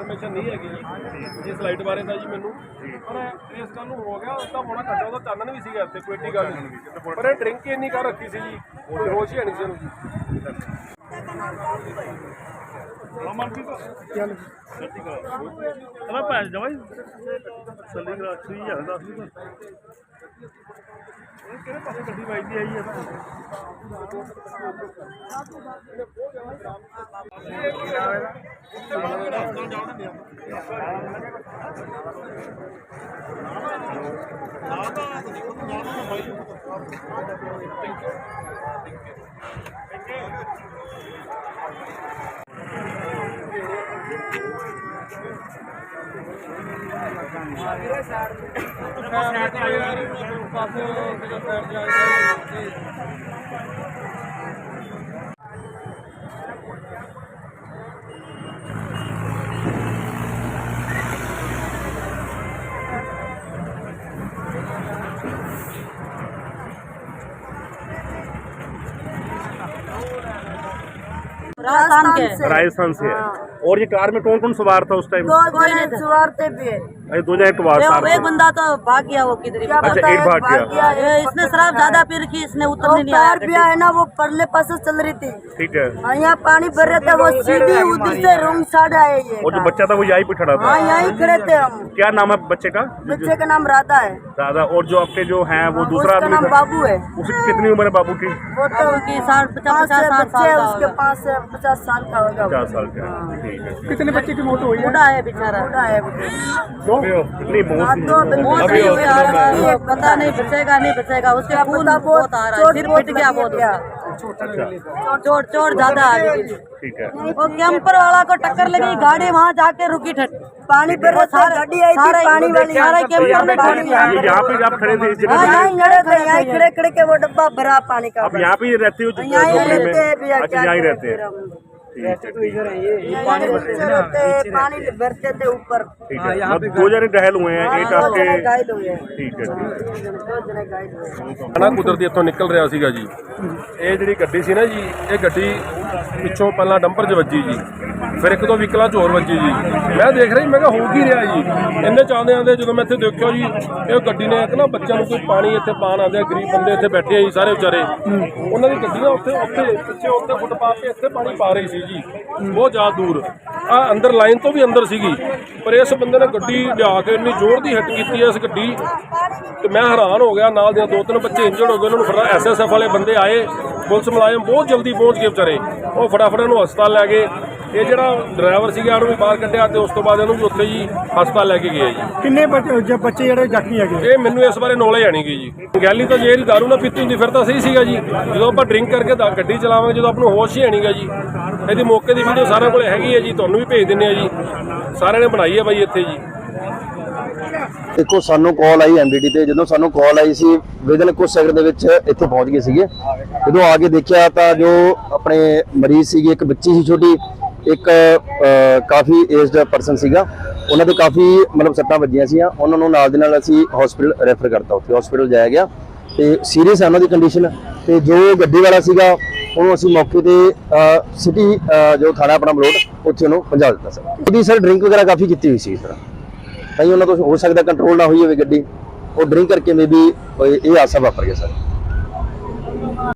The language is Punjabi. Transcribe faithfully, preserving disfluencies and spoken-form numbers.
ਇਨਫੋਰਮੇਸ਼ਨ ਨਹੀਂ ਹੈਗੀ ਜੀ ਇਸ ਲਾਈਟ ਬਾਰੇ ਤਾਂ ਜੀ ਮੈਨੂੰ, ਪਰ ਇਸ ਗੱਲ ਨੂੰ ਹੋ ਗਿਆ ਅੱਧਾ ਪੌਣਾ ਘੰਟਾ ਉਹਦਾ ਚਾਨਣ ਵੀ ਸੀਗਾ ਇੱਥੇ, ਕੋਈ ਏਡੀ ਗੱਲ ਨਹੀਂ, ਪਰ ਇਹ ਡਰਿੰਕ ਹੀ ਇੰਨੀ ਕਰ ਰੱਖੀ ਸੀ ਜੀ, ਕੋਈ ਹੋਸ਼ ਹੀ ਨਹੀਂ ਸੀ ਉਹਨੂੰ ਜੀ। ਚਲੋ ਭੈਣ ਜਾਵਾ ਜੀ ਸੱਲੀ ਕਰਾ ਛੀ ਹਜ਼ਾਰ ਦੱਸ ਦੀ ਕਿਹੜੇ ਪਾਸੇ ਗੱਡੀ ਵੱਜਦੀ ਆਈ ਹੈ राजस्थान के राजस्थान से है। और ये कार में कौन कौन सवार था उस टाइम? दो जने सवार थे भी। अरे दो जने सवार वो एक बंदा तो भाग गया, वो किधर ही। अच्छा एक भाग गया। ये इसने शराब ज्यादा पी रखी, इसने उतरने नहीं आया। भी है ना, वो परले पास चल रही थी। ठीक है। यहाँ पानी भर रहे थे, वो सीधी उधर से रूम साइड आए ये। और जो बच्चा था वो यहीं पे खड़ा था? हाँ यहीं खड़े थे हम। क्या नाम है बच्चे का? बच्चे का नाम राधा है। राधा। और जो आपके जो हैं वो दूसरा आदमी नाम बाबू है। उसकी कितनी उम्र है बाबू की? वो तो साठ पचास पचास साल का, उसके पास से पचास साल का होगा। पचास साल का। ठीक है। कितने बच्चे की मौत हुई है? बूढ़ा है बेचारा, बूढ़ा है। कितनी मौत? पता नहीं बचेगा नहीं बचेगा, उसके खून बहुत आ रहा है, सिर पिट गया बहुत, चोट चोट ज्यादा आ गई। ठीक है। वो कैंपर वाला को टक्कर लगी, गाड़ी वहाँ जाके रुकी, पानी पर गाड़ी आई थी, पानी वाली सारा कैंपर में पानी। यहाँ पे आप खड़े थे इस जगह? यहाँ खड़े थे, यहाँ खड़े खड़े के वो डब्बा भरा पानी का। आप यहाँ पे रहते हो? यहाँ रहते हैं, अच्छा यहाँ रहते हैं। पानी भरते थे ऊपर। ठीक है। दो जने घायल हुए हैं, एक आपके। घायल हुए हैं। ठीक है। ਨਾ ਕੁਦਰਤੀ ਇੱਥੋਂ ਨਿਕਲ ਰਿਹਾ ਸੀਗਾ ਜੀ, ਇਹ ਜਿਹੜੀ ਗੱਡੀ ਸੀ ਨਾ ਜੀ, ਇਹ ਗੱਡੀ ਪਿੱਛੋਂ ਪਹਿਲਾਂ ਡੰਪਰ 'ਚ ਵੱਜੀ ਜੀ, ਫਿਰ ਇੱਕ ਦੋ ਵਹੀਕਲਾਂ 'ਚ ਹੋਰ ਵੱਜੀ ਜੀ। ਮੈਂ ਦੇਖ ਰਿਹਾ ਮੈਂ ਕਿਹਾ ਹੋ ਕੀ ਰਿਹਾ ਜੀ, ਇੰਨੇ ਚਾਹੁੰਦੇ ਆਉਂਦੇ ਜਦੋਂ ਮੈਂ ਇੱਥੇ ਦੇਖਿਆ ਜੀ, ਇਹ ਗੱਡੀ ਨੇ ਇੱਕ ਨਾ ਬੱਚਿਆਂ ਨੂੰ ਕੋਈ ਪਾਣੀ ਇੱਥੇ ਪਾਣ ਆਉਂਦੇ, ਗਰੀਬ ਬੰਦੇ ਇੱਥੇ ਬੈਠੇ ਆ ਜੀ ਸਾਰੇ ਵਿਚਾਰੇ, ਉਹਨਾਂ ਦੀ ਗੱਡੀ ਨਾ ਉੱਥੇ ਉੱਥੇ ਪਿੱਛੇ ਉੱਥੇ ਫੁੱਟਪਾਥ 'ਤੇ ਇੱਥੇ ਪਾਣੀ ਪਾ ਰਹੀ ਸੀ ਜੀ, ਬਹੁਤ ਜ਼ਿਆਦਾ ਦੂਰ ਆ ਅੰਦਰ ਲਾਈਨ ਤੋਂ ਵੀ ਅੰਦਰ ਸੀਗੀ, ਪਰ ਇਸ ਬੰਦੇ ਨੇ ਗੱਡੀ ਲਿਆ ਕੇ ਇੰਨੀ ਜ਼ੋਰ ਦੀ ਹਿੱਟ ਕੀਤੀ ਇਸ ਗੱਡੀ ਤੇ ਮੈਂ ਹੈਰਾਨ ਹੋ ਗਿਆ। ਨਾਲ ਦੀਆਂ ਦੋ ਤਿੰਨ ਬੱਚੇ ਇੰਜਰਡ ਹੋ ਗਏ, ਉਹਨਾਂ ਨੂੰ ਫਟਾ ਐਸ ਐਸ ਐਫ ਵਾਲੇ ਬੰਦੇ ਆਏ, ਪੁਲਿਸ ਮੁਲਾਜ਼ਮ ਬਹੁਤ ਜਲਦੀ ਪਹੁੰਚ ਗਏ ਵਿਚਾਰੇ, ਉਹ ਫਟਾਫਟ ਇਹਨੂੰ ਹਸਪਤਾਲ ਲੈ ਗਏ। ਇਹ ਜਿਹੜਾ ਡਰਾਈਵਰ ਸੀਗਾ ਉਹਨੂੰ ਵੀ ਬਾਹਰ ਕੱਢਿਆ ਤੇ ਉਸ ਤੋਂ ਬਾਅਦ ਇਹਨੂੰ ਵੀ ਉੱਥੇ ਜੀ ਹਸਪਤਾਲ ਲੈ ਕੇ ਗਏ ਜੀ। ਕਿੰਨੇ ਬੱਚੇ ਜਿਹੜੇ ਜ਼ਖਮੀ ਹੈਗੇ? ਇਹ ਮੈਨੂੰ ਇਸ ਬਾਰੇ ਨੌਲੇਜ ਆਣੀ ਗਈ ਜੀ। ਗੈਲੀ ਤਾਂ ਜੇ ਇਹਦੀ ਦਾਰੂ ਨਾ ਪੀਤੀ ਹੁੰਦੀ ਫਿਰ ਤਾਂ ਸਹੀ ਸੀਗਾ ਜੀ, ਜਦੋਂ ਆਪਾਂ ਡਰਿੰਕ ਕਰਕੇ ਗੱਡੀ ਚਲਾਵਾਂਗੇ, ਜਦੋਂ ਆਪਾਂ ਨੂੰ ਹੋਸ਼ ਹੀ ਆਣੀਗਾ ਜੀ। ਇਹਦੀ ਮੌਕੇ ਦੀ ਵੀਡੀਓ ਸਾਰਿਆਂ ਕੋਲ ਹੈਗੀ ਹੈ ਜੀ, ਤੁਹਾਨੂੰ ਵੀ ਭੇਜ ਦਿੰਦੇ ਆ ਜੀ, ਸਾਰਿਆਂ ਨੇ ਬਣਾਈ ਹੈ ਬਾਈ ਇੱਥੇ ਜੀ। देखो सानू कॉल आई एम डी डी ते, जो सानू कॉल आई सी विदिन कुछ सैकंड दे विच इत्थे पहुंच गए सीगे। जो आके देखा तो जो अपने मरीज सीगे, एक बच्ची सी छोटी, एक काफ़ी एजड परसन सीगा, उन्हां दे काफ़ी मतलब सट्टां वजियां सीआं, उन्हां नूं नाल दे नाल असीं हॉस्पिटल रैफर करता, उत्थे हॉस्पिटल जाया गया ते सीरीयस है उन्हां दी कंडीशन। ते जो गड्डी वाला सीगा ਉਹਨੂੰ ਅਸੀਂ ਮੌਕੇ ਤੇ ਸਿਟੀ ਜੋ ਥਾਣਾ ਆਪਣਾ ਮਲੋਟ ਉੱਥੇ ਉਹਨੂੰ ਪਹੁੰਚਾ ਦਿੱਤਾ ਸਰ। ਉਹਦੀ ਸਰ ਡਰਿੰਕ ਵਗੈਰਾ ਕਾਫੀ ਕੀਤੀ ਹੋਈ ਸੀ, ਇਸ ਤਰ੍ਹਾਂ ਤਾਂ ਉਹਨਾਂ ਤੋਂ ਹੋ ਸਕਦਾ ਕੰਟਰੋਲ ਨਾ ਹੋਈ ਹੋਵੇ ਗੱਡੀ, ਉਹ ਡਰਿੰਕ ਕਰਕੇ ਮੇ ਵੀ ਇਹ ਹਾਦਸਾ ਵਾਪਰ ਗਿਆ ਸਰ।